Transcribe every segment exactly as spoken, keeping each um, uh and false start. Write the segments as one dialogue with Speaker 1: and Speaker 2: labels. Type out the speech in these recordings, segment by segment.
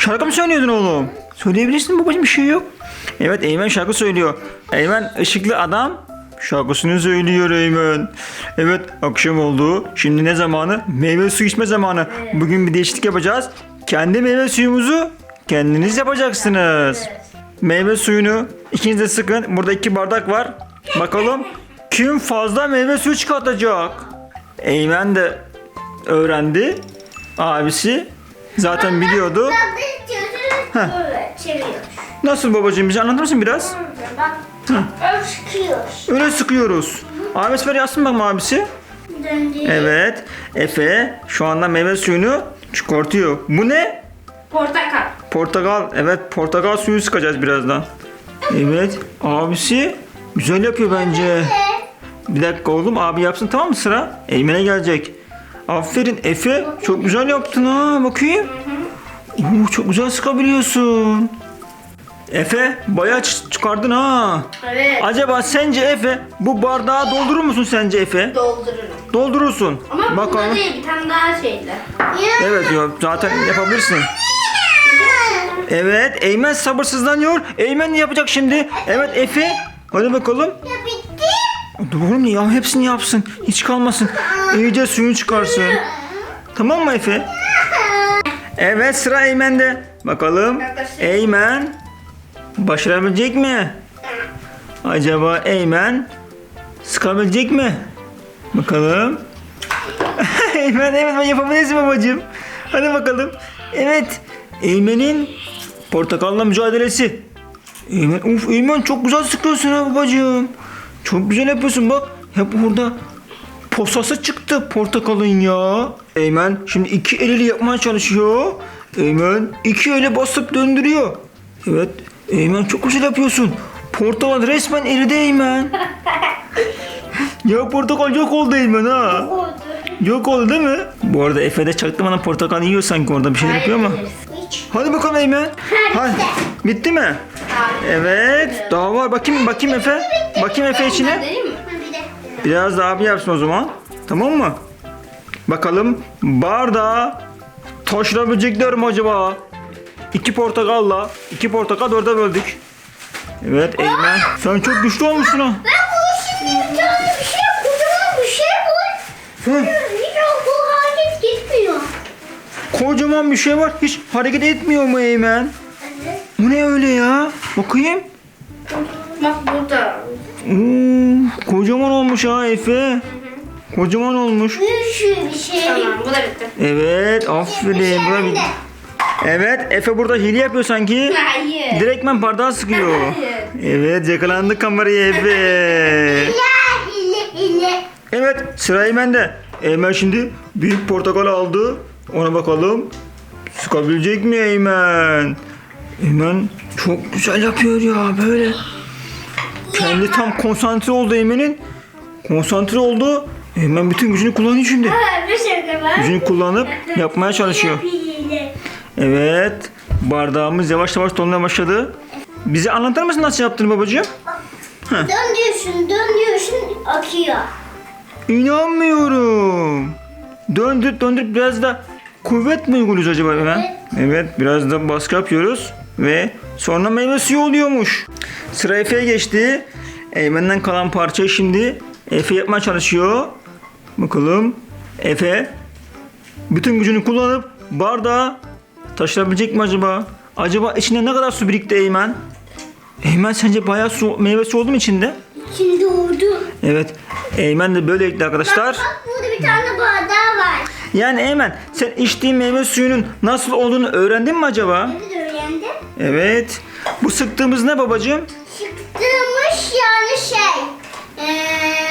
Speaker 1: Şarkı mı söylüyordun oğlum? Söyleyebilirsin babacığım, bir şey yok. Evet, Eymen şarkı söylüyor. Eymen ışıklı adam şarkısını söylüyor Eymen. Evet, akşam oldu. Şimdi ne zamanı? Meyve suyu içme zamanı. Bugün bir değişiklik yapacağız. Kendi meyve suyumuzu kendiniz yapacaksınız. Meyve suyunu ikiniz de sıkın. Burada iki bardak var. Bakalım kim fazla meyve suyu çıkartacak? Eymen de öğrendi. Abisi zaten biliyordu.
Speaker 2: Heh. Böyle çeviriyoruz.
Speaker 1: Nasıl babacığım, bize anlatır mısın biraz?
Speaker 2: Bak. Öyle sıkıyoruz.
Speaker 1: Öyle sıkıyoruz. Abisi ver yazsın bakalım abisi.
Speaker 2: Döndü.
Speaker 1: Evet. Efe şu anda meyve suyunu çıkartıyor. Bu ne?
Speaker 2: Portakal.
Speaker 1: Portakal. Evet, portakal suyu sıkacağız birazdan. Evet. Abisi güzel yapıyor bence. Bir dakika oğlum, abi yapsın, tamam mı, sıra? Eymen'e gelecek. Aferin Efe. Çok güzel yaptın ha. Bakayım. Oo, çok güzel sıkabiliyorsun. Efe bayağı ç- çıkardın ha.
Speaker 2: Evet.
Speaker 1: Acaba sence Efe bu bardağı doldurur musun sence Efe?
Speaker 2: Doldururum.
Speaker 1: Doldurursun.
Speaker 2: Ama
Speaker 1: Bakalım.
Speaker 2: bunda değil, bir tane daha şeyle.
Speaker 1: Evet ya, zaten yapabilirsin. Evet, Eymen sabırsızlanıyor. Eymen ne yapacak şimdi? Evet Efe. Hadi bakalım.
Speaker 2: Ya bitti.
Speaker 1: Dur oğlum ya, hepsini yapsın. Hiç kalmasın. İyice suyunu çıkarsın. Tamam mı Efe? Evet, sıra Eymen'de. Bakalım Eymen başarabilecek mi? Acaba Eymen sıkabilecek mi? Bakalım. Eymen, evet, ben yapabilirsin babacığım. Hadi bakalım. Evet, Eymen'in portakalla mücadelesi. Eymen, uf Eymen çok güzel sıkıyorsun ha babacığım. Çok güzel yapıyorsun bak. Hep orada posası çıktı portakalın ya. Eymen şimdi iki eliyle yapmaya çalışıyor. Eymen iki ele basıp döndürüyor. Evet, Eymen çok güzel yapıyorsun. Portakal resmen eridi Eymen. Ya portakal yok oldu Eymen ha.
Speaker 2: Oldu.
Speaker 1: Yok oldu değil mi? Bu arada Efe de çaktırmadan portakal yiyor sanki, orada bir şey yapıyor ama.
Speaker 2: Hiç.
Speaker 1: Hadi bakalım Eymen. Hadi. Bitti mi? Evet. Daha var. Bakayım bakayım Efe. Bakayım Efe içine.
Speaker 2: Değil mi? Bir de.
Speaker 1: Biraz daha abi yapsın o zaman. Tamam mı? Bakalım bardağı taşırabilecekler mi acaba? İki portakalla. iki portakal dörde böldük. Evet Eymen. Sen çok güçlü olmuşsun ha.
Speaker 2: Ben bunu şimdi bir tane bir şey, kocaman bir şey koy.
Speaker 1: Hı.
Speaker 2: Hiç o hareket gitmiyor.
Speaker 1: Kocaman bir şey var. Hiç hareket etmiyor mu Eymen?
Speaker 2: Evet.
Speaker 1: Bu ne öyle ya? Bakayım.
Speaker 2: Bak burada.
Speaker 1: Oo, kocaman olmuş ha Efe. Kocaman olmuş.
Speaker 2: Büyük bir şey. Tamam, bu da bitti.
Speaker 1: Evet, aferin. Bu da bir- Evet, Efe burada hile yapıyor sanki.
Speaker 2: Hayır.
Speaker 1: Direktmen bardağı sıkıyor.
Speaker 2: Hayır.
Speaker 1: Evet, yakalandı kameraya Efe.
Speaker 2: hile hile.
Speaker 1: Evet, sıra Eymen'de. Eymen şimdi büyük portakal aldı. Ona bakalım. Sıkabilecek mi Eymen? Eymen çok güzel yapıyor ya böyle. Kendi tam konsantre oldu Eymen'in. Konsantre oldu. Eymen bütün gücünü kullanıyor şimdi.
Speaker 2: Bir şey de var.
Speaker 1: Gücünü kullanıp yapmaya çalışıyor.
Speaker 2: Hile.
Speaker 1: Evet. Bardağımız yavaş yavaş dolmaya başladı. Bize anlatır mısın nasıl yaptığını babacığım?
Speaker 2: Dön diyorsun, dön diyorsun, akıyor.
Speaker 1: İnanmıyorum. Döndürüp döndürüp biraz da kuvvet mi uyguluyoruz acaba hemen? Evet, biraz da baskı yapıyoruz ve sonra meyve suyu oluyormuş. Sıra Efe'ye geçti. Eymen'den kalan parçayı şimdi Efe yapmaya çalışıyor. Bakalım Efe bütün gücünü kullanıp bardağı taşırabilecek mi acaba? Acaba içinde ne kadar su birikti Eymen? Eymen sence bayağı su, meyve suyu oldu mu içinde?
Speaker 2: İçinde oldu.
Speaker 1: Evet. Eymen de böyleydi arkadaşlar.
Speaker 2: Bak burada bir tane bardağı var.
Speaker 1: Yani Eymen, sen içtiğin meyve suyunun nasıl olduğunu öğrendin mi acaba?
Speaker 2: Evet, öğrendim.
Speaker 1: Evet. Bu sıktığımız ne babacığım?
Speaker 2: Çıktığımız yani şey. Eee...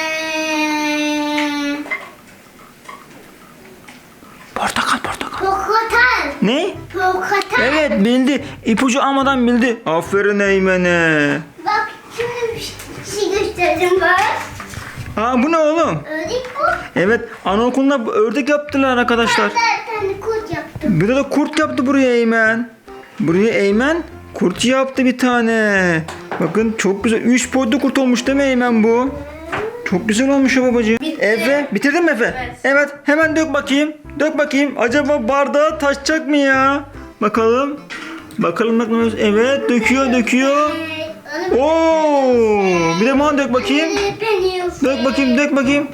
Speaker 1: Portakal, portakal.
Speaker 2: Portakal.
Speaker 1: Ne?
Speaker 2: Portakal.
Speaker 1: Evet, bildi. İpucu almadan bildi. Aferin Eymen'e.
Speaker 2: Bak şimdi bir şey göstereceğim bak.
Speaker 1: Aa, bu ne oğlum?
Speaker 2: Ördek bu.
Speaker 1: Evet, anaokulunda bu ördek yaptılar arkadaşlar.
Speaker 2: Ben tane kurt yaptım.
Speaker 1: Bir de kurt yaptı buraya Eymen. Buraya Eymen kurt yaptı bir tane. Bakın çok güzel. Üç boyutlu kurt olmuş değil mi Eymen bu? Çok güzel olmuş ya babacığım.
Speaker 2: Bitti.
Speaker 1: Efe, bitirdin mi Efe?
Speaker 2: Evet.
Speaker 1: Evet, hemen dök bakayım. Dök bakayım. Acaba bardağı taşacak mı ya? Bakalım. Bakalım bakalım. Evet döküyor döküyor. Oo, bir de bana dök bakayım. Dök bakayım dök bakayım.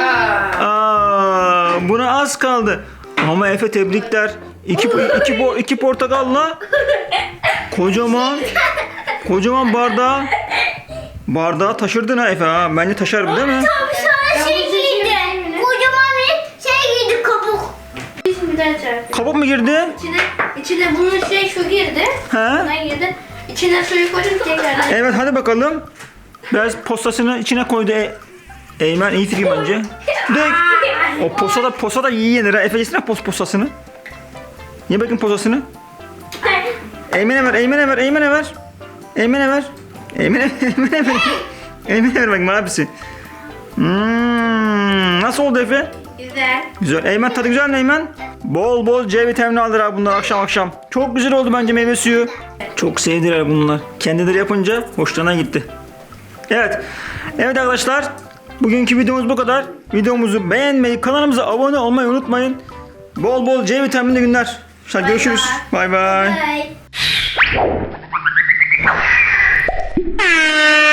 Speaker 1: Aa, buna az kaldı. Ama Efe tebrikler. İki, iki, po- iki portakalla kocaman kocaman bardağı bardağı taşırdın ha Efe ha. Bence taşır bu değil mi?
Speaker 2: Tabii sonra şey giydi. Kocaman bir şey giydi kabuk.
Speaker 3: Bir daha çarpıyor.
Speaker 1: Kabuk mu girdi?
Speaker 3: İçine, içine bunun şey şu girdi.
Speaker 1: He?
Speaker 3: Buna girdi. İçine suyu koydum tekrardan.
Speaker 1: Evet hadi bakalım. Biraz postasını içine koydu. E- Eymen iyi fikir bence. Dök. O posa da posa da iyi yenir ha. Efe yesene pos posasını. Ye bakayım posasını. Eymen'e ver, Eymen'e ver, Eymen'e ver. Eymen'e ver. Eymen'e Eymen'e ver. Eymen'e ver bakayım abisi. Hmm, nasıl oldu Efe?
Speaker 3: Güzel.
Speaker 1: Güzel. Eymen tadı güzel mi Eymen? Bol bol C vitamini alır abi bunlar akşam akşam. Çok güzel oldu bence meyve suyu. Çok sevdiler bunlar. Kendileri yapınca hoşlarına gitti. Evet. Evet arkadaşlar. Bugünkü videomuz bu kadar. Videomuzu beğenmeyi, kanalımıza abone olmayı unutmayın. Bol bol C vitaminli günler. Hadi görüşürüz. Bay bay.
Speaker 2: Bye.